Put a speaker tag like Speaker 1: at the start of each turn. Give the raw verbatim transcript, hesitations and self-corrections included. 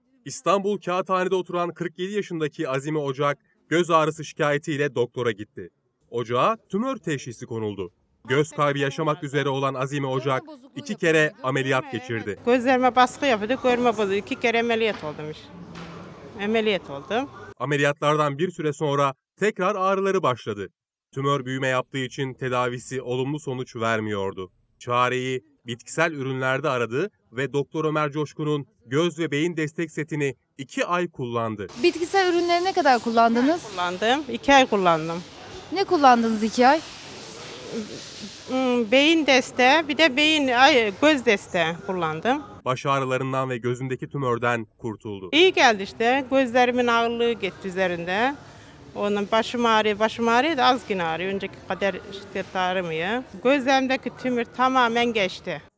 Speaker 1: İstanbul Kağıthane'de oturan kırk yedi yaşındaki Azime Ocak, göz ağrısı şikayetiyle doktora gitti. Ocağa tümör teşhisi konuldu. Göz kaybı yaşamak üzere olan Azime Ocak, iki kere ameliyat geçirdi.
Speaker 2: Gözlerime baskı yapıyordu, görme bozuldu. İki kere ameliyat oldum işte. Ameliyat oldum.
Speaker 1: Ameliyatlardan bir süre sonra tekrar ağrıları başladı. Tümör büyüme yaptığı için tedavisi olumlu sonuç vermiyordu. Çareyi bitkisel ürünlerde aradı ve Doktor Ömer Coşkun'un göz ve beyin destek setini iki ay kullandı.
Speaker 3: Bitkisel ürünleri ne kadar kullandınız?
Speaker 2: Kullandım, iki ay kullandım.
Speaker 3: Ne kullandınız iki ay?
Speaker 2: Hmm, Beyin desteği, bir de beyin, ay, göz desteği kullandım.
Speaker 1: Baş ağrılarından ve gözündeki tümörden kurtuldu.
Speaker 2: İyi geldi işte, gözlerimin ağırlığı gitti üzerinde. Onun başım ağrıyor, başım ağrıyor da az yine ağrıyor. Önceki kadar şiddet ağrımıyor. Gözlerimdeki tümör tamamen geçti.